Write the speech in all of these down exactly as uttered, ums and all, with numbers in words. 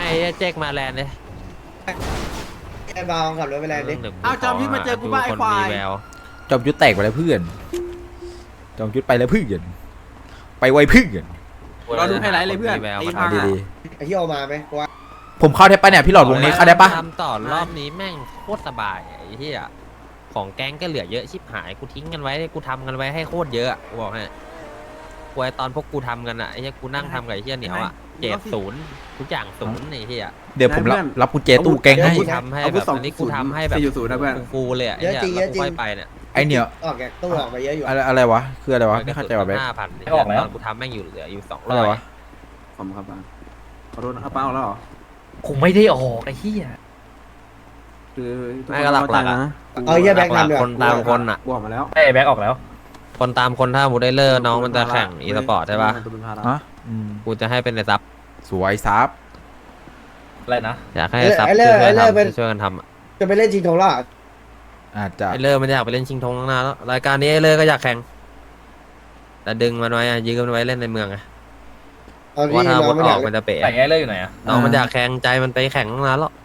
แจ็คมาแลนด์เลยไอ้บาวขับรถไปแลนด์ดิเอาจอมยุทธมาเจอกูบ้าไอ้ควายจอมยุทธแตกไปแล้วเพื่อนจอมยุทธไปแล้วเพื่อนไปไวเพื่อนรอดูไฮไลท์เลยเพื่อนไอ้เอาพาดีไอ้ที่เอามาไหมว่าๆผมเข้าได้ปะเนี่ยพี่หลอดวงนี้เข้าได้ปะทำต่อรอบนี้แม่งโคตรสบายไอ้เหี้ยของแก๊งก็เหลือเยอะชิบหายกูทิ้งกันไว้กูทำกันไว้ให้โคตรเยอะกูบอกให้กูไอตอนพวกกูทำกันอะไอ้เหี้ยกูนั่งทำกับไอ้เหี้ยเหนียวอะเจ็ดศูนย์ทุกอย่างศูนย์ไอ้เหี้ยเดี๋ยวผมรับรับกุญแจตู้แกงให้กูทำให้แบบอันนี้กูทำให้แบบสี่ศูนย์นะเพื่อนฟูๆเลยอะไอ้เหี้ยแล้วกูค่อยไปเนี่ยไอเหนียวออกแกตู้ออกมาเยอะอยู่อะไรอะไรวะคืออะไรวะไม่เข้าใจว่ะแบ๊กห้าพันไม่ออกแล้วกูทำแม่งอยู่เหลืออยู่สองร้อะอไรยวะขอบคุณครับป้าขอโทษนะครับป้าเอาแล้วเหรอคงไม่ได้ออกไอ้เหี้ยคือทุกไม่คนก็หลัเข้าก ใจๆอะนะเอาเยี่ยแบงค์หลักทำเดี๋ยวๆคนตามคนอะกูออกมาแล้วไอ้แบ็กออกแล้วคนตามคนถ้ามูได้เลอร์น้องมันจะแข่งอีสปอร์ตใช่ปะตัวเป็นภาระฮะอืมกูจะให้เป็นในซับสวยซับอะไรนะอยากให้ซับช่วยกันทำช่วยกันทำอะจะไปเล่นชิงทองล่ะอาจจะไอเลอร์มันอยากไปเล่นชิงธงตั้งนานแล้วรายการนี้ไอเลอร์ก็อยากแข่งแต่ดึงมันไว้อะยืมมันไว้เล่นในเมืองไงเอาเพราะที่ว่าถ้าน้วองนไม่ออยาอก กมันจะเป๋แต่ไอ้เลิกอยู่ไหนอะน้องมันอยากแข่งใจมันไปแข่งตั้งนานแล้ว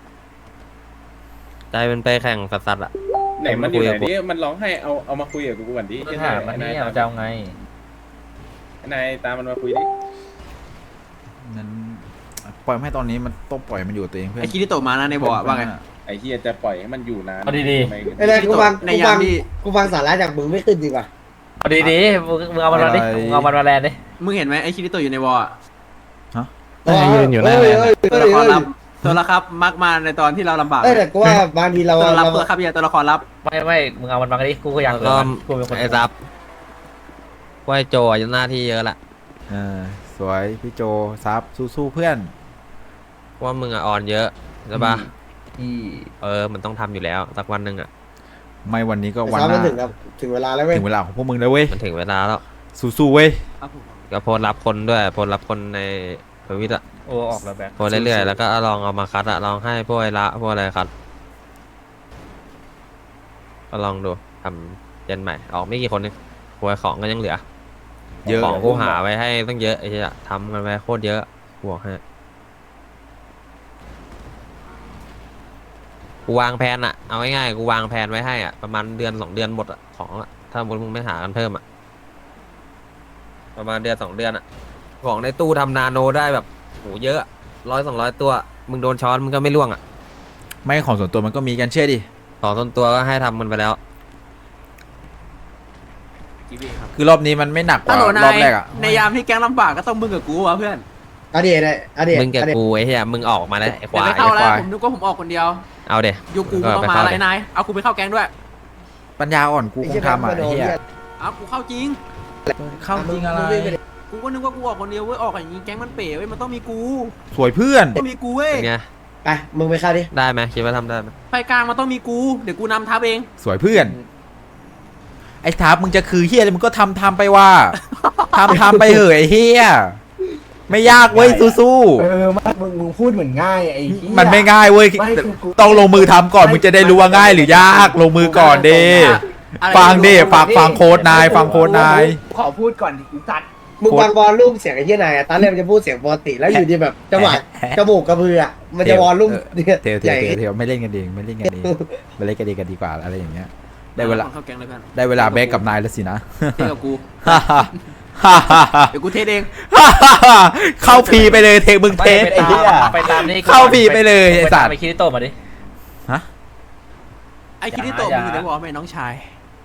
ใจมันไปแข่งสัสๆอะไหนมันอยู่ไหนนี่มันร้องให้เอาเอามาคุยกับกูก่อนดิปัญหามันนี่เอาจะเอาไงนายตามมันมาคุยดินั้นปล่อยให้ตอนนี้มันต้องปล่อยมันอยู่กับตัวเองเพื่อนไอ้คิริโตะมานะในบ่อว่าไงไอ้เฮียจะปล่อยให้มันอยู่นานเอาดีทำไมไอ้เลยกูฟังในกูยาฟัมงที่กูฟังสาระจากมึงไม่ขึ้นจริงป่ะๆเอาดีๆมึงมึงเอามันมาดิมึงเอามันมาแลนดิมึงเห็นไหมไอ้คิริโตะอยู่ในบ่ออะยืนอยู่หน้าแลนด์ตัวละครลับตัวละครับมักมาในตอนที่เราลำบากเอ้ยแต่กูว่าบางทีเราตัวละเรารับตัวละครับอย่าตัวละครลับไม่ไม่มึงเอามันมาดิกูก็อยากแล้วก็กูเป็นคนไอซับว่าไอโจอะยังหน้าที่เยอะละเออสวยพี่โจซับสู้ๆเพื่อนว่ามึงอะอ่อนเยอะใช่ปะที่เออมันต้องทำอยู่แล้วสักวันหนึ่งอะไม่วันนี้ก็แต่วันซ้อมหมัน้านถึงครับถึงเวลาแล้วเว้ยถึงเวลาของพวกมึงแล้วเว้ยมันถึงเวลาแล้วสู้ๆเว้ยครับผมก็โพสต์รับคนด้วยโพสต์รับคนในทวิตอะโอ้ออกแล้วแบ็กโพสต์เรื่อยๆแล้วก็ลองเอามาคัดอะลองให้พวกไอละพวกอะไรคัดก็ลองดูทำเจนใหม่ออกไม่กี่คนนึงหวยของก็ยังเหลือเยอะของกูหาไว้ให้ตั้งเยอะไอ้เหี้ยทำกันไว้โคตรเยอะกูบอกให้กูวางแผนอะเอาง่ายๆกูวางแผนไว้ให้อะประมาณเดือนสองเดือนหมดอะของอะถ้ามึงไม่หากันเพิ่มอะประมาณเดือนสองเดือนอะของในตู้ทำนาโนได้แบบโหเยอะร้อยสองร้อยตัวมึงโดนช้อนมึงก็ไม่ล่วงอะไม่ของส่วนตัวมันก็มีกันเชื่อดิของต้นตัวก็ให้ทำมันไปแล้วกีบีครับคือรอบนี้มันไม่หนักกฮัว่าลโหลรนาอบยแรกอ่ะในยามที่แก๊งลำบากก็ต้องมึงกับกูวะเพื่อนอดีตเลยอดีตมึงกับอดีตกูไอ้เหี้ยมึงออกมาแล้วไอ้คเดี๋ยววาไม่ยเข้าแล้วควายผมนึกว่าผมออกคนเดียวเอาเดี๋ยยูกูมึงต้องมาแล้วไอ้นายเอากูไปเข้าแก๊งด้วยปัญญาอ่อนกูคงทำอ่ะไอ้เหี้ยเอากูเข้าจริงเข้าจริงอะไรกูก็นึกว่ากูออกคนเดียวเว้ยออกอย่างนี้แก๊งมันเป๋เว้ยมันต้องมีกูสวยเพื่อนต้องมีกูเว้ยเป็นไงไปมึงไปเข้าดิได้ไหมคิดว่าทำได้ไหมไฟกลางมันต้องมีกูเดี๋ยวกูนำทัพเองสวยเพื่อน ไอ้ทับมึงจะคือเฮียอะไรมึงก็ทำทำไปว่าทำทำไปเหอะไอ้เฮียไม่ยากเว้ยสู้เออมากมึงมึงพูดเหมือนง่ายไอ้เหี้ยๆมันไม่ง่ายเว้ยไม่คือกูต้องลงมือทำก่อนมึงจะได้รู้ว่าง่ายหรือยากลงมือก่อนเด้อะไรฟังดิฟังฟังโค้ดนายฟังโค้ดนายขอพูดก่อนดิกูจัดมึงวางวอลลุ่มเสียงไอ้เหี้ยนายอะตอนแรกมันจะพูดเสียงปกติแล้วอยู่ดีแบบจังหวะจมูกกระพืออะมันจะวอลลุ่มเนี่ยเทวเทใหญ่วเทวเทวไม่เล่นกันเองไม่เล่นกันเองไม่เล่นกันเองกันดีกว่าอะไรอย่างเงี้ยได้เวลาเข้าแก๊งเลยเพื่อนได้เวลาแบกกับนายแล้วสินะเทกับกูฮ่าฮ่าฮ่าฮ่าฮ่าเดี๋ยวกูเทเองเข้าพีไปเลยเทคมึงเทสไอ้เหี้ยไปตามนี่เข้าพีไปเลยไอ้สัตว์ไปคิริโตะมาดิฮะไอ้คิริโตะมึงอยู่ในวอลไหมน้องชาย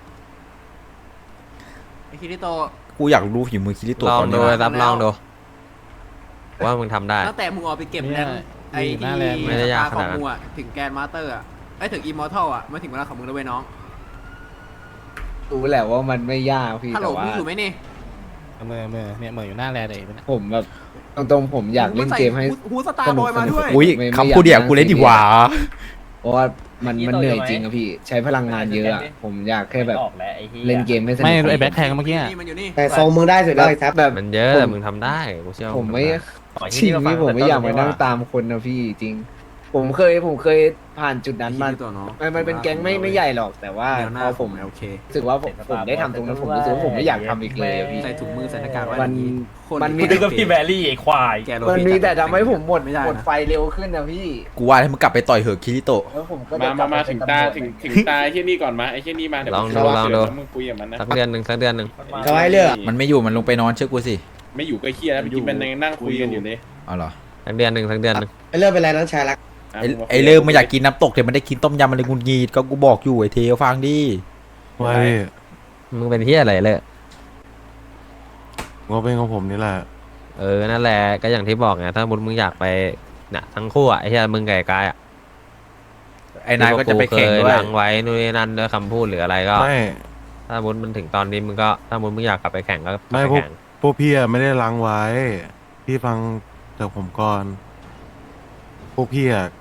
ไอ้คิริโตะกูอยากรู้ฝีมือคิริโตะลองตอนดูนี้รับลองดูว่ามึงทำได้ตั้งแต่มึงออกไปเก็บแรงไอ้ที่ไม่ได้ยากขขอนาดงนั้นมึงอะถึงแกนมาสเตอร์อะไอ้ถึงอิมมอร์ทัลอะมาถึงเวลาของมึงแล้วเว้ยน้องรู้แหละว่ามันไม่ยากพี่ฮัลโหลแต่ว่ามึงอยู่ไหมนี่เมื่อเมื่อเนี่ยเมื่ออยู่หน้าแลเลยผมแบบตรงๆผมอยากเล่นเกมให้ฮูสตาร์บอยมาด้วยอุ้ยไม่ไม่คำพูดเดียวกูเล่นดีกว่าเพราะว่ามันมันเหนื่อยจริงอะพี่ใช้พลังงานเยอะอะผมอยากแค่แบบออกแล้วไอ้เหี้ยเล่นเกมให้สนุกไม่ไอ้แบ็คแทงเมื่อกี้นี่มันอยู่นี่แต่ทรงมึงได้สุดแล้วไอ้ทับแบบมันเยอะแต่มึงทำได้กูเชื่อว่าผมงไม่ทำด้ขอจริงที่พี่ผมไม่อยากมานั่งตาตามคนนะพี่จริงผมเคยผมเคยผ่านจุดนั้นมาไอ้เหี้ยตัวน้องมันมันเป็นแก๊งไม่ไม่ใหญ่หรอกแต่ว่าแนวหพน้าอผผม มโอเครู้สึกว่าผมผมได้ทำตรงนั้นผมรู้สึกว่าผมไม่อยากทำอีกเลยอะพี่ใส่ถุงมือใส่หน้ากากไว้มันอย่างคนมันมีมึงก็พี่แบรี่ไอ้ควายแกโรมันบิมีแต่ทำให้ผมหมดไม่ได้หมดนะไฟเร็วขึ้นนะพี่กูว่าให้มึงกลับไปต่อยเหอะคิริโตะแล้วผมก็มาจะกลัมาบมาไปถึงเป็นตาตำรวจถึงถึงตาไอ้เชี่ยนี่ก่อนมาไอ้เชี่ยนี่มาเดี๋ยวลองมึดูลองดูเดี๋ยวมึงคุยกับมันนะสักเดือนหนึ่งสักเดือนหนึ่งเขาให้เลือกมันไม่อยู่มันลงไปนอนเชื่อกูสิไม่อยู่ก็เคียแล้วเมื่อกี้มันยังนั่งคุยกันอยู่เลยเอาเหรอสักเดือนหนึ่งสักเดือนหนึ่งไอ้เลือกเป็นไรน้องชายรักะไอ้งาคุไอ้เริ่มไม่อยากกินน้ำตกเดี๋ยวมันได้กินต้มยำมันเลยงุนงีดก็กูบอกอยู่ไอ้เทลฟังดิไว้มึงเป็นเฮียอะไรเลยงบเป็นของผมนี่แหละเออนั่นแหละก็อย่างที่บอกไงถ้ามุดมึงอยากไปเนี่ยทั้งคู่อ่ะไอ้เฮียมึงกับไอ้กายอ่ะไอ้นายก็จะไปแข่งที่ด้พวกยกูเคล้างไว้นู่นนี่นั่นด้วยคำพูดหรืออะไรก็ไม่ถ้ามุดมันถึงตอนนี้มึงก็ถ้ามุดมึงอยากกลับไปแข่งก็กลับไม่ไปพวกแข่งพวกพี่อะไม่ได้ล้างไว้ พี่ฟังจากผมก่อน พวกพี่อะ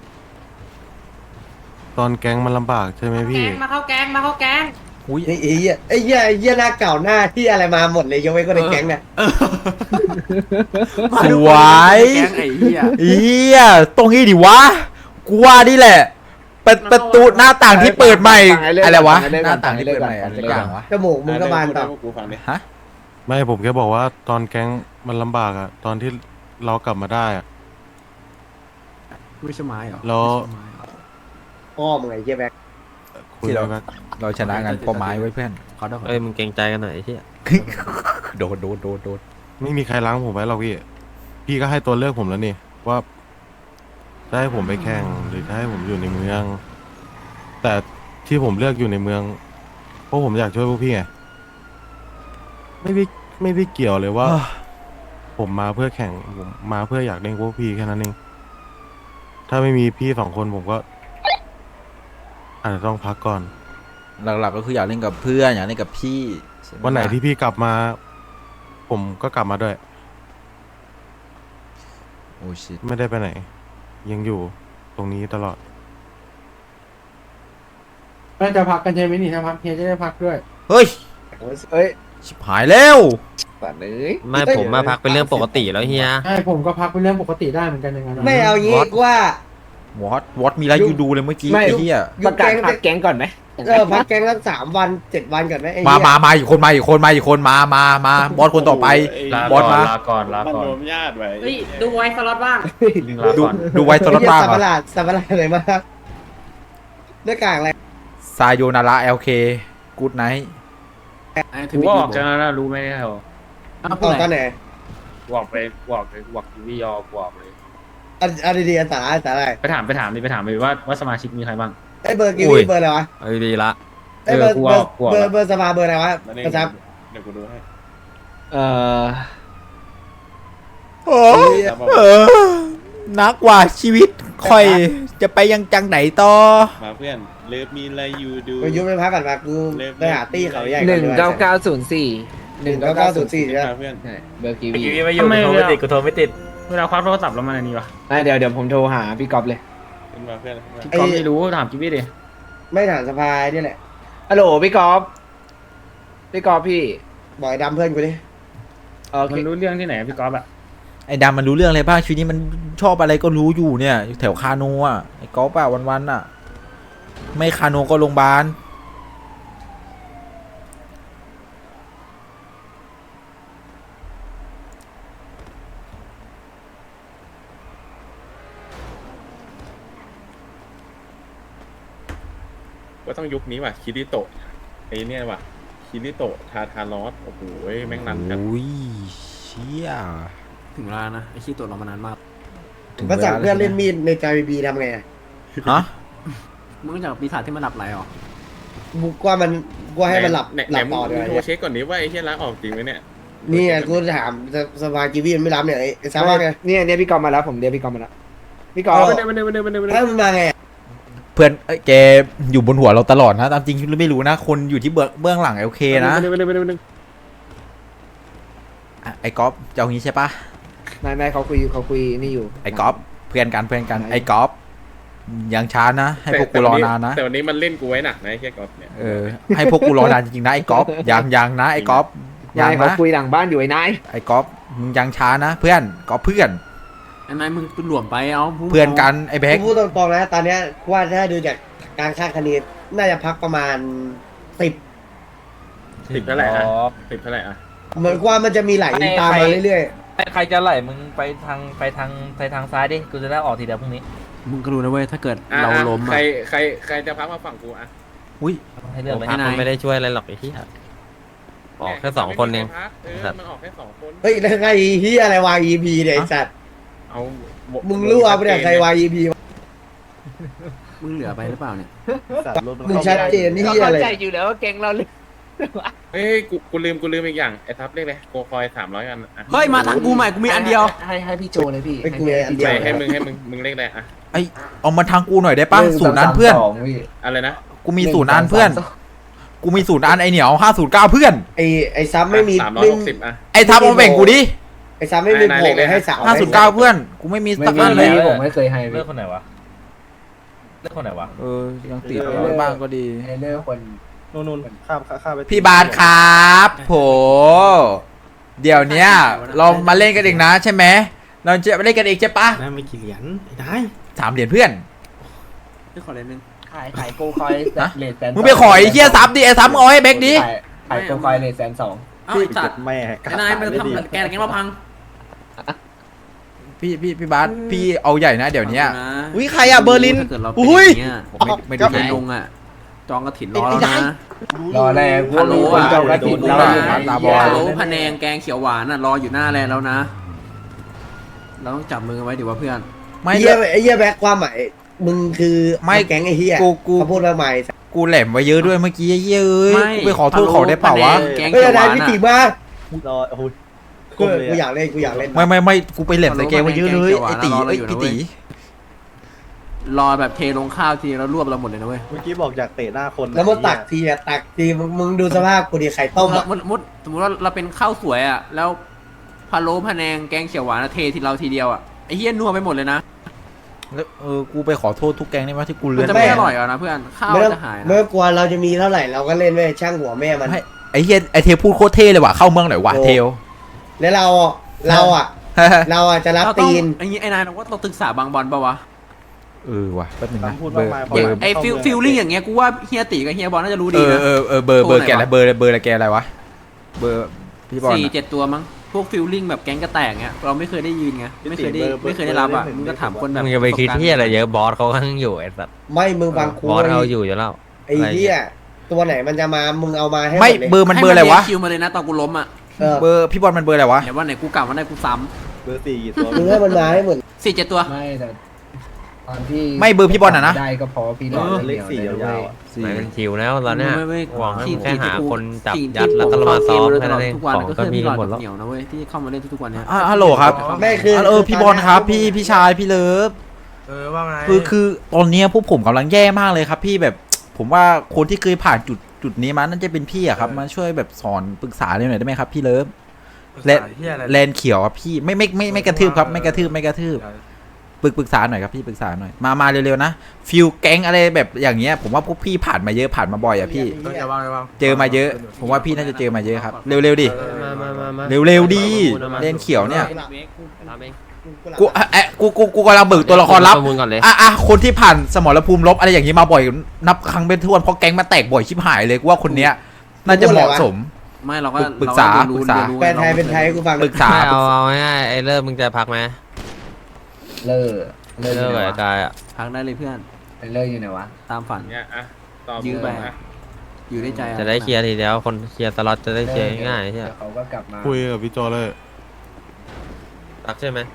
ตอนแก๊งมันลำบากใช่ไหมพี่มาเข้าแก๊งมาเข้าแก๊งอุ้ยไอ้เหี้ยไอ้เหี้ยไอ้เหี้ยหน้าเก่าหน้าที่อะไรมาหมดเลยยกเว้นคนในแก๊งเนี่ยสวยแก๊งไอ้เหี้ยเฮียตรงนี้ดิวะกูว่านี่แหละเป็นประตูหน้าต่างที่เปิดใหม่ฟังไอ้เรื่องอะไรวะฟังไอ้เรื่องหน้าต่างที่เปิดใหม่ฟัอะงไรไอ้เรื่องอย่างวะจมูกมึงก็บานต่อพูดให้พวกกูฟังดิฮะไม่ผมแค่บอกว่าตอนแก๊งมันลำบากอะตอนที่เรากลับมาได้อะไม่ใช่ไม้เหรอแล้วไม่ใช่ไม้เหรอพ่อมึงไอ้เหี้ยแบ็คคุยกันว่าเราชนะกันเพราะไม้ไว้เพื่อนขอโทษเอ้ยมึงเกรงใจกันหน่อยไอ้เฮียโดนโดนโดนโดนไม่มีใครล้างผมไว้หรอกพี่ พี่ก็ให้ตัวเลือกผมแล้วนี่ว่าจะให้ผมไปแข่งหรือจะให้ผมอยู่ในเมือง แต่ที่ผมเลือกอยู่ในเมืองเพราะผมอยากช่วยพวกพี่ไงไม่ได้ไม่ได้เกี่ยวเลยว่า ผมมาเพื่อแข่งผมมาเพื่ออยากเล่นพวกพี่แค่นั้นเองถ้าไม่มีพี่สองคนผมก็อาจจะต้องพักก่อนหลักๆก็คืออยากเล่นกับเพื่อนอยากเล่นกับพี่ใช่มวันไหนที่พี่กลับมา ผมก็กลับมาด้วยโอ้ชิตไม่ได้ไปไหน ยังอยู่ตรงนี้ตลอดน่าจะพักกันใช่ไหมนี่ถ้าพักเฮียจะได้พักด้วยเฮ้ยเอ้ยชิบหายแล้วสัตว์เอ้ยไม่ผมมาพักเป็นเรื่องปกติแล้วเฮียใช่ผมก็พักเป็นเรื่องปกติได้เหมือนกันอย่างนั้นไม่เอางี้ What? กูว่าวอตวอตมีอะไรยุอยู่ดูเลยเมื่อกี้ไม่ไอ้เหี้ยยุประกาศแก๊งพักแก๊งก่อนไหมเออพักแก๊งสักสามวันเจ็ดวันก่อนไหมไอ้มาเหี้ยมามาอีกคนมาอีกคนมาอีกคนมามามาบอสคนต่อไปลาบอสมาลาก่อนลามันก่อนรวมญาติไว้เฮ้ยดูไว้สล็อตบ้างลาดูก่อนดูไว้ตลอดไอ้เหี้ยบ้างสัตว์ประหเหรอลาดสัตว์ประหลาดอะไรมากหน้ากากอะไรซายโยนาระเอลเคกูดไนท์ไอ้กูที่ไม่ก็อดีอกจากนั้นนะรู้ไหมเหรออ้าวอพูดอกไหตอนนไหนกูออกไปกูออกไปกูออกทีวียอกูออกเลยอันอันดีๆอันสาระอันสาระอะไรไปถามไปถามดิไปถามดิว่าว่าสมาชิกมีใครบ้างไอ้เบอร์กิวี่เบอร์อะไรวะเอาดีๆละไอ้เบอร์เออกูเบอเอาร์กูเอาเบอร์เบอร์สภาเบอร์อะไรวะมาเล่นกระชับเดี๋ยวกูดูให้เอ่อโอ้เออนักว่าชีวิตคอยจะไปยังจังไหนต่อมาเพื่อนเลิฟมีอะไรอยู่ดูกูยุบไปพักก่อนมากูไปหาตี้เขาใหญ่หนึ่งเก้าเก้าศูนย์สี่หนึ่งเก้าเก้าศูนย์สี่ใช่ไหมมาเพื่อนใช่เบอร์กีทีวีวีไม่อยู่กูโทรไม่ติดกูโทรไม่ติดเวลาคว้าโทรศัพท์แล้วมันอันนี้วะอ่ะเดี๋ยวเดี๋ยวผมโทรหาพี่ก๊อฟเลยขึ้นมาเพื่อนขึ้นมาก็ไม่รู้ถามกิวี่ดิไม่ถามสภานี่แหละฮัลโหลพี่ก๊อฟพี่ก๊อฟพี่บอกไอ้ดำเพื่อนกูดิโอเคมันรู้เรื่องที่ไหนพี่ก๊อฟอะไอ้ดำมันรู้เรื่องอะไรบ้างชีวิตนี้มันชอบอะไรก็รู้อยู่เนี่ยอยู่แถวคาโนอ่ะไอ้กอล์ฟอ่ะวันๆอ่ะ ไม่คาโนก็โรงพยาบาลก็ต้องยุคนี้ว่ะคิริโตะไอ้เนี่ยว่ะคิริโตะทาทารอสโอ้โหแม่งนันกันโอ้ยเชี่ยถึงเวลานะไอ้ขี้ตัวเรามานานมากถึงก็สั่งวลาเพื่อนเล่นมีดในจาบีบีทำไงอะฮะมึงรู้จักปีศาจที่มันหลับไหลเหรอบุกว่ามันกูให้มันหลับไหนหลับไหนต่อมึเดี๋งยวโทรเช็คก่อนดิว่าไอ้เฮียล้างออกจริงไหมเนี่ยนี่ไงกูถามสภากีวีมันไม่รับเนี่ยไอ้ซาว่าไงเนี่ยเนี่ยพี่ก๊อฟมาแล้วผมเรียกพี่ก๊อฟมาแล้วพี่ก๊อฟไม่ได้ไม่ได้ไม่ได้ไม่ได้ไม่ได้ถ้ามันมาไงอะเพื่อนเอ้ยแกอยู่บนหัวเราตลอดนะตามจริงไม่รู้นะ คนอยู่ที่เบื้องเบื้องหลังโอเคนะไม่ได้ไม่ได้ไม่ได้ไม่ได้อ่ะไอ้กอล์ฟจะเอางี้ใช่ปะนายนายเขาคุยเขาคุยนี่อยู่ไอ้กอล์ฟเพื่อนกันเพื่อนกันไอ้กอล์ฟยังช้านะ ให้พวกกูรอนานนะแต่วันนี้มันเล่นกูไว้หนักนะไอ้เฮียกอล์ฟเนี่ยเออให้พวกกูรอนานจริงๆนะไอ้กอล์ฟยังยังนะไอ้กอล์ฟยันาง ยเขานะคุยหลังบ้านอยู่ไอ้นายไอ้กอล์ฟมึงยังช้านะ เพื่อนกอล์ฟเพื่อนไอ้นายมึงเป็นหลวมไปเอาพูดเพื่อนกันไอ้แบ็คกูพูดตรงๆนะตอนเนี้ยกูว่าถ้าดูจากการคาดคะเนน่าจะพักประมาณสิบสิบเท่าไหร่อะสิบเท่าไหร่อะเหมือนว่ามันจะมีไหลตามมาเรื่อยใครจะไหลมึงไปทางไปทางไปทางซ้ายดิกูจะได้ออกทีเดียวพรุ่งนี้มึงก็รู้นะเว้ยถ้าเกิดอ่ะเราล้มใครอะใครใครจะพักมาฝั่งกูอะอุ้ยให้เลือกผมเลยพักมันไม่ได้ช่วยอะไรหรอกไอ้ที่ออกแค่สองคนเองไม่มีใรพักเออมันออกแค่สองคนๆเฮ้ยแล้วใครเฮียอะไรวาง อี พีเนี่ยไอ้สัตว์เอามึงรู้เอาไปเนี่ยใครวาง อี พีมึงเหลือไปหรือเปล่าเนี่ยมึงชัดเจนนี่เฮียอะไรใจอยู่แล้วว่าแกงเราเลยเฮ้ยกูกูลืมกูลืมอีกอย่างไอ้ทับเรียกเลยโกคอยสามร้อยกันอะเฮ้ยมาทางกูใหม่กูมีอันเดียวให้ให้พี่โจเลยพี่ไอ้กูมีอันเดียวไม่ให้มึงให้มึงมึงเรียกอะไรอะไอเอามาทางกูหน่อยได้ปะศูนย์อันเพื่อนอะไรนะกูมีศูนย์อันเพื่อน กูมีศูนย์อันไอเหนียวห้าศูนย์เก้าเพื่อนไอ้ไอ้ซับไม่มีสามร้อยไม่หกสิบอะไอทับเอามาแบ่งกูดิไอ้ซับไม่มีโผล่เลยให้สาวห้าศูนย์เก้าเพื่อน กูไม่มีสักอันเลยผมไม่เคยให้เลือกคนไหนวะเลือกคนไหนวะเออ ยังติดบ้างก็ดีให้เลือกคนนู่นนู่นข้ามข้ามไปพี่บาสครับโห เดี๋ยวเนี้ยเรามาเล่นกันเองนะใช่ไหม เราจะมาเล่นกันเองใช่ปะได้ไม่กี่เหรียญไอ้ได้สามเหรียญเพื่อนพี่ขอเลนนึงขายขายโกคอยเลทแสนมึงไปขอไอ้เหี้ยซับดิไอ้ซับมึงเอาให้แบ็กดิขายโกคอยเลทแสนสองเอ้าไอ้สัตว์แม่ไอ้นายมันทำแกนแกนมาพังพี่พี่พี่บาสพี่เอาใหญ่นะเดี๋ยวเนี้ยอุ้ยใครอะเบอร์ลินถ้าเกิดเราเป็นอุ้ยอย่างเงี้ยผมไม่ไม่ดูใครเลยลงอ่ะจองกระถินรอแล้วนะรอแรกฮัลโหลอะเจ้ากระถิ่นดูเราดูอยู่ตาบฮัอลดโหลพะแนงแกงเขียวหวานอ่ะรออยู่หน้าแลนด์แล้วนะ เราต้องจับมือกันไว้ดิว่าเพื่อนไม่ไอ้เฮียไอ้เฮียแบ็คความหมายมึงคือไม่แก๊งไอ้เฮียกูกูเขาพูดมาใหม่กูแหลมไว้เยอะด้วยเมื่อกี้ไอ้เหี้ยเอ้ยไม่กูไปขอโทษเขาได้เปล่าวะฮัลโหลพแนงแกงเฮ้ยเขียวหนายวานพี่อ่ะติมากรอโอ้โหกูกูอยากเล่นกูอยากเล่นไม่ไม่ไม่กูไปแหลมใส่แกไว้เยอะเลยไอ้ตีไอ้พี่ตีรอแบบเทลงข้าวทีแล้วรวบเราหมดเลยนะเว้ยเมื่อกี้บอกอยากเตะหน้าคนแล้วมาตักทีอะตักทีมึงมึงดูสภาพกูดิไข่ต้มอะสมมติสมมติว่าเราเป็นข้าวสวยอ่ะแล้วพะโล้พะแนงแกงเขียวหวานอะเททีเราทีเดียวอ่ะไอ้เฮี้ยนัวไปหมดเลยนะแล้วเออกูไปขอโทษทุกแกงได้ไหมที่กูมัเลื่นอนจะไปไม่อร่อยอ่ะนะเพื่อนข้าวไม่ต้องจะหายนะไม่ต้องกลัวเราจะมีเท่าไหร่เราก็เล่นไว้ช่างหัวแม่มันให้ไอ้เฮียไอ้เทลพูดโคตรเท่เลยว่ะเข้าเมืองหน่อยว่ะเทลแล้วเราเราอะเราอะจะรับเราต้องตีนไอ้นี้ไอ้นายเราว่าเราศึกษาบางบอลปะวะเออว่ะแป๊บนึงนะพูดเบอมากร์มายเบอร์ไอ้ฟิลฟิลลิ่งอย่างเงี้ยกูว่าเฮียตีกับเฮียบอลน่าจะรู้เอดีอนะเออเออเบอร์เบอร์โทรแกไหนอะไรวะเบอร์เบอร์อะไรแกอะไรวะเบอร์พี่บอลสี่อะเจ็ดตัวมั้งพวกฟิลลิ่งแบบแก๊งกระแตกเงี้ยเราไม่เคยได้ยินไงไม่เคยได้ไม่เคยได้รับอ่ะมึงก็ถามคนแบบมึงจะไปคิดที่อะไรเยอะบอสเขาก็ยังอยู่ไอ้สัตว์ไม่มึงบางคูบอสเอาอยู่อยู่แล้วไอ้เหี้ยตัวไหนมันจะมามึงเอามาให้หมไม่ดเลยเบอร์มันเบอร์อะไรวะให้คิวมาเลยนะตอนกูล้มอ่ะเออเบอร์พี่บอลมันเบอร์อะไรวะเดี๋ยววันไหนกูกลับวันไหนกูซ้เบอร์สี่กี่ตัวมึงให้มันมาให้หมดำสี่เจ็ดตัวไม่แต่ตอนที่ไม่เบอร์พี่บอลอะนะได้ก็พอพี่รอเลขสี่ยาวๆอ่ะไม่เป็นคิวแล้วตอนเนี้ยไม่ไม่หวังให้ที่แค่หาที่กูคนจับที่ยัดแล้วก็มาซ้อมที่แค่นั้นเองทุกวันของก็ก็คือมีพี่หลกัอน ดหมดแล้วเหนียวนะเว้ยที่เข้ามาเล่นทุกๆวันเนี้ยอ่ะฮัลโหลครับไม่คือเออพี่บอลครับพี่พี่ชายพี่เลิฟเออว่าไงคือคือตอนเนี้ยพวกผมกำลังแย่มากเลยครับ พี่แบบ ผมว่าคนที่เคยผ่านจุดจุดนี้มาน่าจะเป็นพี่อะครับมาช่วยแบบสอนปรึกษาหน่อยได้ไหมครับ พี่เลิฟแลนแลนเขียวครับพี่ไม่ไม่ไม่ไม่กระทืบครับไม่กระทืบไม่กระทืบปรึกปรึกษาหน่อยครับพี่ปรึกษาหน่อยมามาเร็วๆนะฟิลแก๊งอะไรแบบอย่างเงี้ยผมว่าพวกพี่ผ่านมาเยอะผ่านมาบ่อยอะพี่จะวางจะวางเจอมาเยอะ ผมว่าพี่น่าจะเจอมาเยอะครับเร็วๆดิมามามามาเร็วๆดิแลนเขียวเนี่ยทำเองกูเอ๊ะกูกูกูกำลังเบิกตัวละครลับประมูลก่อนเลยอ่ะอ่ะคนที่ผ่านสมรภูมิลบอะไรอย่างนี้มาบ่อยนับครั้งเป็นทวนเพราะแก๊งมาแตกบ่อยชิบหายเลยกูว่าคนเนี้ยน่าจะเหมาะสมไม่เราก็ปรึกษาเรปรึกษาเรียนรู้แปลไทยเป็นไทยให้กูฟังปรึกษาเอาเอาง่ายๆไอ้เริ่มมึงจะพักไหมเลิกเลิเลิกกอยู่กับไหนไอ้วะกายอ่ะพักได้เลยเพื่อนเลิกอยู่ไหนวะตามฝันเนี่ยอ่ะต่อยื้อไปอ่ะอยู่ในใจอจะได้เคลียร์ทีเดียวคนเคลียร์สล็อตจะได้เคลียร์ง่ายๆใช่ไหมเดี๋วเขาก็กลับมาคุยกับพี่โจเลยพักใช่ไหม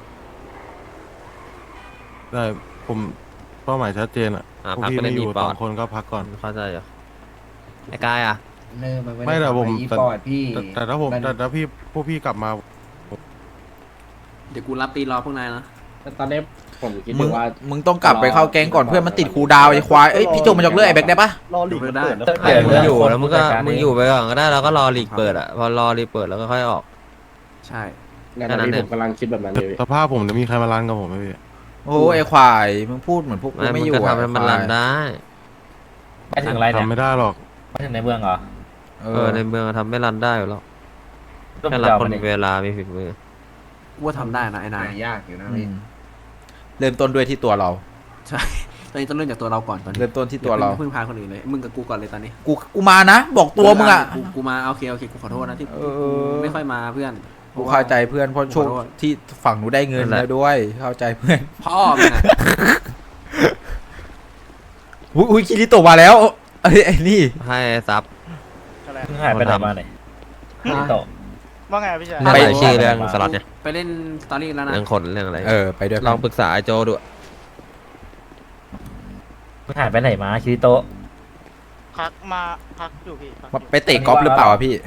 ได้ผมเป้าหมายชัดเจนอ่ะอ่าพวกพักพี่ก็ได้ไม่อมียู่ปสออดงคนก็พักก่อนเข้าใจอยู่ไอ้กายอ่ะเลิกมันไม่แต่ผมอีแต่ปอดพี่แต่แต่ถ้าผมแต่ถ้าพี่พวกพี่กลับมาเดี๋ยวกูรับตีรอพวกนายนะตอนนี้ผมคิดมึอง ยู่ว่ามึงต้องกลับไปเข้าแก๊งก่อนเพื่อนมันติดครูดาวไอ้ควายเอ้ยพี่โจมันยกเลิกไอ้แบ็คได้ปะรอหลีกมันเปิดแล้วไอ้มึงอยู่แล้วมึงก็มึงอยู่ไปก่อนก็ได้แล้วก็รอลีกเปิดอ่ะพอรอลีกเปิดแล้วก็ค่อยออกใช่งานนี้ผมกำลังคิดแบบนั้นเลยสภาพผมจะมีใครมารันกับผมไหมพี่โอ้ไอ้ควายมึงพูดเหมือนพวกกูไม่ไม่มึอง ยู่ก็อะทำให้มันรันได้ไปถึงอะไรเนี่ยทำไม่ได้หรอกไปถึงในเมืองเหรอเอเอออในเมืองทำไม่รันได้อยู่แล้วแค่รับคนมีเวลามีฝีมือกูว่าทำได้นะไอ้นายยากอยู่นะอืพี่มเริ่มต้นด้วยที่ตัวเราใช่ตอนนี้ต้องเริ่มจากตัวเราก่อนตอนนี้เริ่มต้นที่ตัวเราอย่าเพิ่งพึ่งพาคนอื่นเลยมึงกับกูก่อนเลยตอนนี้กูกูมานะ บอกตัวมึงอ่ะกูกูมาโอเคโอเคกูขอโทษนะที่เออกูไม่ค่อยมาเพื่อนกูเข้าใจเพื่อนเพราะช่วงขอโทษที่ฝั่งหนูได้เงินแล้วด้วย เข้าใจเพื่อนพ่อมึงอะอุ้ยอุ้ยคิริโตะมาแล้วไอ้ไอ้นี่ให้ซับเพิ่งหายไปไหนมาไหนพี่โตว่าไงพี่ชายเรื่องรายชื่อเรื่องสล็อตเนี่ยไปเล่นสตอรี่แล้วนะเรื่องคนเรื่องอะไรเออไปด้วยลองปรึกษาไอ้โจดูเพิ่งหายไปไหนมาคิริโตะพักมาพักอยู่พี่พักอมายู่ไปเตะกอล์ฟหรือเปล่าอะพี่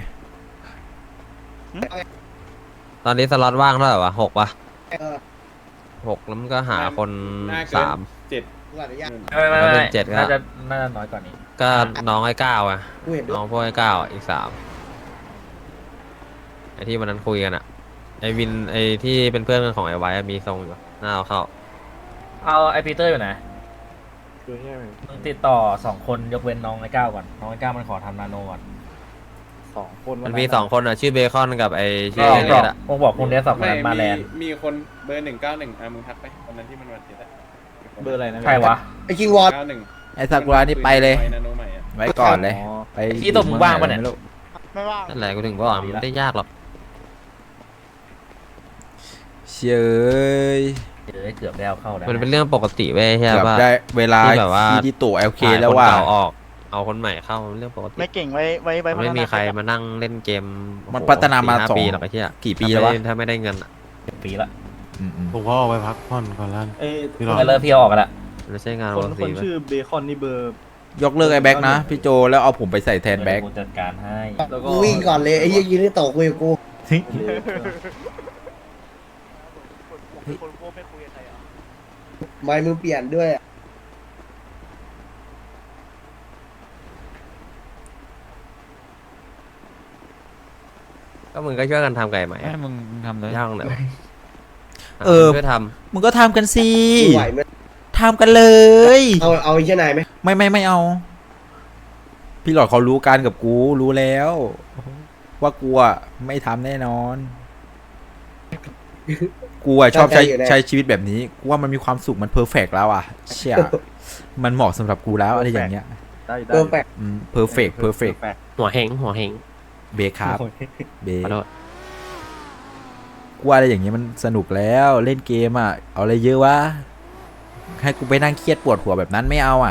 ตอนนี้สล็อตว่างเท่าไหร่วะหกปะเออหกแล้วมันก็หาคนน่าเกินสามเจ็ดกูอนุญาตไม่ไม่แล้วเป็ไม่นเจ็ดก็น่าจะน่าจะน้อยกว่านี้ก็น้องไอ้เก้าอ่ะกูเห็นด้วน้ยองพวกไอ้เก้าอ่ะอีกสามไอ้ที่วันนั้นคุยกันอ่ะไอ้วินไอ้ที่เป็นเพื่อนของไอ้ไว้อะมีทรงอยู่น่าเอาเข้าเอาไอปีเตอร์อยู่ไหนคือใช่ไหมมึงติดต่อสองคนยกเว้นน้องไอ้ก้าวก่อนน้องไอ้ก้าวมันขอทำนาโนก่อนสองคนมันมีสองคนอ่ะชื่อเบคอนกับไอ้ชื่อก็ไอ้บเนี่อกยอ่ะมึงบอกคุณเดสสองคนไม่นั้นมาแลนด์มีคนเบอร์หนึ่งเก้าหนึ่งอ่ะมึงทักไปวันนั้นที่มันวันเจ็ดอะเบอร์อะไรนะใครวะไอ้คิงวอลเก้าหนึ่งไอ้ซากุระนี่ไปเลยนาโนใหม่อะไว้ก่อนเลยอ๋อไปไอ้ที่ตบมึงว่างปะเนี่ยไม่รู้ไม่ว่างนั่นแหละกูถึงบอกว่ามันไม่ได้ยากหรอกเชยเอยเดี๋ยวเกือบได้เอาเข้าแล้วมันเป็นเรื่องปกติเว้ยใช่เกือบป่ะได้เวลาที่แบบว่าคิริโตะ แอล เคขายแล้วคนว่าเก่าออกเอาคนใหม่เข้ามันเรื่องปกติไม่เก่งไว้ไว้ไว้มันไม่มีใครมานั่งเล่นเกมมันโอ้โหพัฒนามาสี่ห้สองปีหรอกไอ้เหี้ยกี่ปีแล้ววะถ้าไม่ได้เงินอะปีละอืมอืมผมก็ออกไปพักผ่อนก่อนแล้วเอ้ยพี่รอไปเลิกพี่เอาออกกันละมันไม่ใช่งานคนปกคตินเว้ยชื่อเบคอนนี่เบอร์ยกเลิกไอ้แบ็กนะ พี่โจแล้วเอาผมไปใส่แทนแบ็กกูจัดการให้แล้วก็กูวิ่งก่อนเลยไอ้ยี่ยิงนี่โตคุยกับกูคนโคไม่คุยกับใครอ่ะไม่มึงเปลี่ยนด้วยอะก็มึงก็ช่วยกันทำไก่ใหม่ให้มึงทำเลยย่างหน่อยเออช่วยทมึงก็ทำกันสิกูไหวไหมทำกันเลยเอาเอาไอ้เหี้ยนายไหมไม่ไม่ไม่เอา พี่หลอดเขารู้กันกับกูรู้แล้ว ว่ากูอะไม่ทำแน่นอน กูอะชอบใช้ใช้ชีวิตแบบนี้กูว่ามันมีความสุขมันเพอร์เฟกแล้วอะเชี่ยมันเหมาะสำหรับกูแล้วอะไรอย่างเงี้ยได้ได้เออแปลกเพอร์เฟกเพอร์เฟกแปลกำหัวเฮงหัวเฮงเบคครับเบขอโทษกูว่าอะไรอย่างเงี้ยมันสนุกแล้วเล่นเกมอะเอาอะไรเยอะวะให้กูไปนั่งเครียดปวดหัวแบบนั้นไม่เอาอะ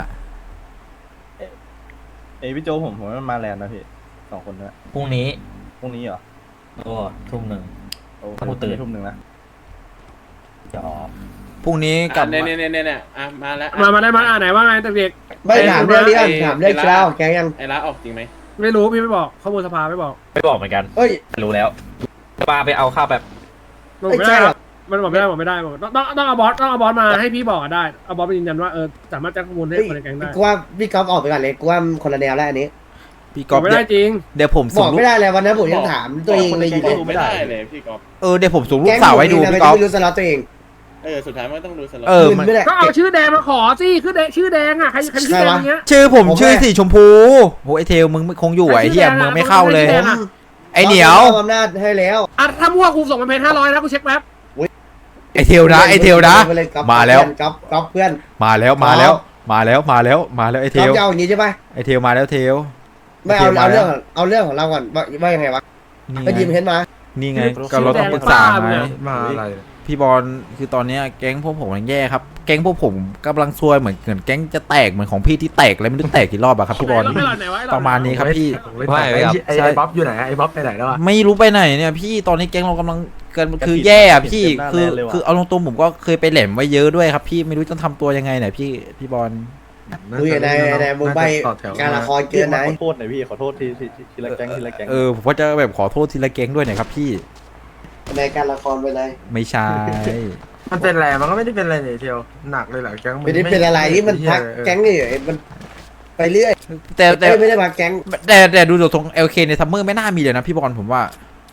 เอ้ยพี่โจผมผมว่ามันมาแลนด์นะพี่สองคนนะพรุ่งนี้พรุ่งนี้เหรอก็ทุ่มหนึ่งโอ้กูตื่นทุ่มหนึ่งนะจะออกพรุ่งนี้กลับเนี่ยมาเนี่ยเนี่ยเนี่ยอ่ะมาแล้วมามาได้มาอ่านไหนว่าไงแต่เด็กไม่ถามเรื่องนี้กันถามเรื่องเช้าแกยังไอ้ร้านออกจริงไหมไม่รู้พี่ไม่บอกข้อมูลสภาไม่บอกไม่บอกเหมือนกันเอ้ยรู้แล้วปาไปเอาข้าวแบบบอกไม่ไม่ใช่ได้หหรรออก กมันบอกไม่ได้บอกไม่ได้บอกต้องต้องต้องเอาบอสต้องเอาบอสมาให้พี่บอกอะได้เอาบอสไปยืนยันว่าเออสามารถแจ้งข้อมูลให้เฮ้ยคนในแก๊งได้กูว่าพี่ก๊อฟออกไปก่อนเลยกูว่าคนละแนวแล้วอันนี้พี่บก๊ออฟกไม่ได้จริงเดี๋ยวผมบส่อง กรูไม่ปได้เลยวันนั้นผมยังถามตัวเองเลยอยู่ก็เลยดูไม่ได้เลยพี่กอล์ฟเออเดี๋ยวผมส่งรูปแก๊งสาวให้ดูอยู่พี่นะก๊อฟไม่รู้สล็อตตัวเองเออสุดท้ายมันก็ต้องดูสล็อตเออคืนมันไม่ได้ก็เอาชื่อแดงมาขอสิคือแดงชื่อแดงอ่ะใครใครชื่อแดงอย่างเงี้ยชื่อผมผมชื่อแม่สีชมพูโหไอเทลมึงคงอยู่ไอเหี้ยมึงไม่เข้าเลยใครชื่อแดงอะไอเหนียวมอบอำนาจให้แล้วอ่ะถ้ามั่วกูส่งมาเพนห้าร้อยนะกูเช็คแป๊บไอเทลนะไอเทลนะไปเลยก๊อฟมาแล้วก๊อฟก๊อฟเพื่อนมาแล้วมาแล้วมาแล้วมาแล้วมาแล้วไอเทก๊อฟลจะเอาอย่างนี้ใช่ปะไอเทลมาแล้วเทลไม่เอาโอเคมาเอาแล้เรื่อวงเอาเรื่องของเราก่อนว่าว่ายังไงวะนี่ก็ไงยิมเห็นมานี่ไงก็เราต้องปรึกษาไงมาอะไรพี่บอลคือตอนเนี้ยแก๊งพวกผมมันแย่ครับแก๊งพวกผมกำลังซวยเหมือนเหมือนแก๊งจะแตกเหมือนของพี่ที่แตกแล้วไม่รู้แตกกี่รอบอะครับพี่บอลไหนไหนวะไอ้หลอดประมาณนี้ครับพี่ไม่ไม่ครับไอ้ไอ้บ๊อบอยู่ไหนไอ้บ๊อบไปไหนแล้วอ่ะไม่รู้ไปไหนเนี่ยพี่ตอนนี้แก๊งเรากำลังกันคือแย่อะพี่เต็มหน้าคือแน่เลยว่ะคือเอาตรงๆผมก็เคยไปแหลมไว้เยอะด้วยครับพี่ไม่รู้จะทำตัวยังไงเนี่ยพี่พี่บอลดูอย่างไรในมึงใบการละครเกินไหนขอโทษหน่อยพี่ขอโทษทีทีทีทีละแก๊งทีละแก๊งเออผมก็จะแบบขอโทษทีละแก๊งด้วยเนี่ยครับพี่ในการละครไปเลยไม่ใช่มันเป็นอะไรมันก็ไม่ได้เป็นอะไรเนี่ยเทียวหนักเลยเหรอแก๊งไม่ได้เป็นอะไรที่มันพักแก๊งเฉยๆมันไปเรื่อยแต่แต่ไม่ได้พักแก๊งแต่แต่ดูจากตรง แอล เค ในซัมเมอร์ไม่น่ามีเลยนะพี่บอลผมว่า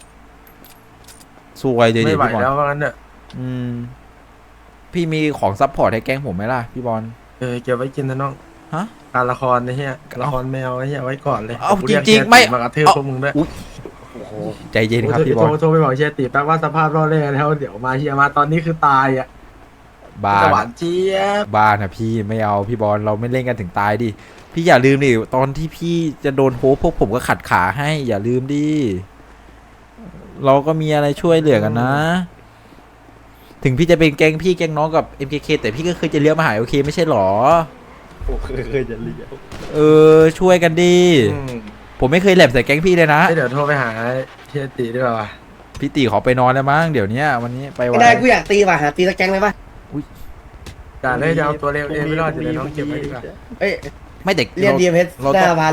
สวยเดี๋ยวไม่ไหวพี่บอลแล้วว่างั้นเนอะอืมพี่มีของซัพพอร์ตให้แก๊งผมไหมล่ะพี่บอลเออเก็บไว้กินนะน้องฮะการละครนะเฮียละครแมวไอ้เฮียไว้ก่อนเลยเอากูเยกจริงๆเฮียไม่มากระทืบเอาพวกมึงด้วยอุ๊ยใจเย็นครับพี่บอโทลรโทรไปบอกเชียร์ติแป๊บว่าสภาพรอดแรกแล้วเดี๋ยวมาเฮียมาตอนนี้คือตายอ่ะบ้าจะนหวานเจี๊ยบบ้านอะพี่ไม่เอาพี่บอลเราไม่เล่นกันถึงตายดิพี่อย่าลืมดิตอนที่พี่จะโดนโฮปพวกผมก็ขัดขาให้ อย่าลืมดิเราก็มีอะไรช่วยเหลือกันนะ ถึงพี่จะเป็นแก๊งพี่แก๊งน้องกับ เอ็ม เค เค แต่พี่ก็เคยจะเลี้ยวมาหาโอเคไม่ใช่หรอโอ้เคยเคยจะเลี้ยวเออช่วยกันดิผมไม่เคยแหลมใส่แก๊งพี่เลยนะเดี๋ยวโทรไปหาเฮียตีดีกว่าพี่ตีขอไปนอนแล้วมั้งเดี๋ยวนี้วันนี้ไปวัไม่นได้กูอยากตีว่ะหาตีตะแกงเลยป่ะอย่าเลยจะเอาตัวเร็วเองไม่รอดอยู่เลยน้องเก็บไว้ดีกว่าเอ้ยไม่เด็กเรียนดีเอ็มเอสเราหน้าต้องมาเลย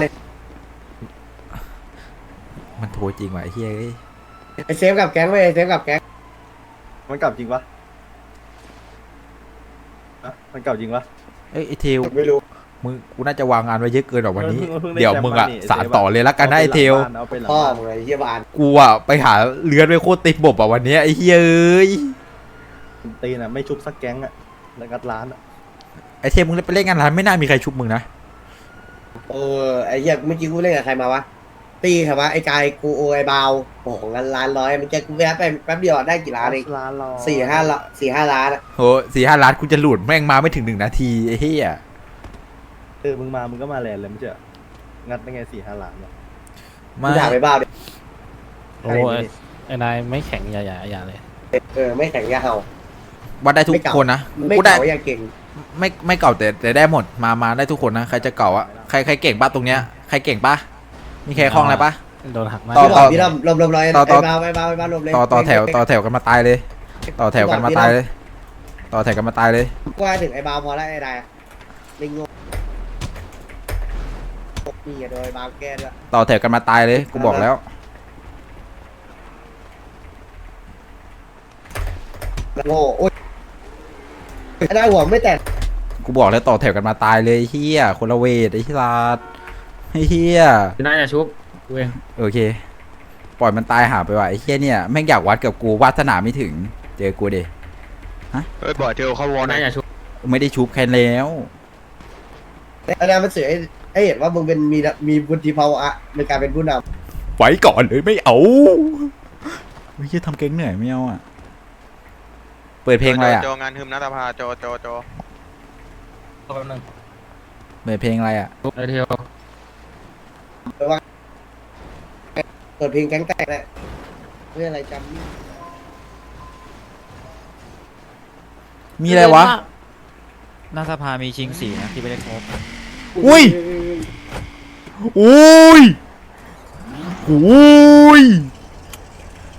มันโทรจริงว่ะไอ้เฮ้ยไอเซฟกับแก๊งไว้ไอเซฟกับแก๊งมันกลับจริงปะอะมันกลับจริงปะเอ้ยไอเทลไม่รู้มึงกูน่าจะวางงานไว้เยอะเกินหรอกวันนี้เพิ่งได้เดี๋ยวมึงอะแชมป์มานี่สารต่อเลยละกันนะไอเทลเอาไปหลังพ่อบ้านมึงไอ้เฮียบานกูอะไปหาเลือนไปโคตรติดบบอะวันเนี้ยไอ้เฮ้ยเอ้ยตีน่ะไม่ชุบสักแก๊งอะแล้วงัดร้านอะไอเทลมึงไปเล่นงานร้านไม่น่ามีใครชุบมึงนะเออไอเฮียเมื่อกี้กูเล่นกับใครมาวะตีใช่ปะไอกายกูโอไอบาวโอ้โหงานล้านร้อยมันจะกูแวะไปแป๊บเดียวได้กี่ล้านเองร้านรอสี่ห้าละสี่ห้าล้านอะโหสี่ห้าล้านกูจะหลุดแม่งมาไม่ถึงหนึ่งนาทีไอ้เหี้ยเออมึงมามึงก็มาแลนด์เลยไม่ใช่เหรองัดได้ไงสี่ห้าล้านวะกูมาด่าไปบ้าดิโอ้ยไอ้นายไม่แข็งอย่าอย่าอย่าเลยเออไม่แข่งยาเห่าวัดได้ทุกไม่เก่าคนนะไม่กูได้เก่าอย่าเก่งไม่ไม่เก่าแต่แต่ได้หมดมามาได้ทุกคนนะใครจะเก่าอะใครใครเก่งปะตรงเนี้ยใครเก่งปะมีใครคล่องอะไรปะโดนหักหน้าต่อพี่หลอดพี่ลำลมลมลอยต่อต่อไอ้บาวไอ้บาวไอ้บาวลมเลยต่อต่อแถวต่อแถวกันมาตายเลย ต่อแถวกันมาตายเลย ต่อแถวกันมาตายเลยกูว่าถึงไอ้บาวพอแล้วไอ้ได้อะลิงงนี่อย่าโดนไอ้บาวแก้ด้วยต่อแถวกันมาตายเลยกูบอกแล้วโง่โอ๊ยไอ้ได้หัวไม่แตกกูบอกแล้วต่อแถวกันมาตายเลยไอ้เฮียคนละเวทไอ้ที่ลาดไอ้เฮียพี่นายอย่าชุบกูเองโอเค ปล่อยมันตายหาไปว่ะไอ้เฮียเนี่ยแม่งอยากวัดกับกูวาสนาไม่ถึงเจอกูเดเฮ้ยบ่อยเทลเข้าวอพี่นนายอย่าชุบไม่ได้ชุบแค่แล้วไอ้ได้มันเสือให้ให้เห็นว่ามึงเป็นมีมีบุญทีภาวะในการเป็นผู้นไว้ก่อนเลยไม่เอาไม่ใช่ทำเก่งเหนื่อยไม่เอาอ่ะเปิดเพลงอะไรอ่ะโจงานฮึมนัตภาโจโจโจเปิดเพลงอะไรอ่ะไอเทียวำเปิดเพลงแก๊งแตกแหละเรื่องอะไรจำนี่มีอะไรวะหน้าสภามีชิงสีนะที่ไม่ได้ครบอุ้ยอุ้ยอุ้ย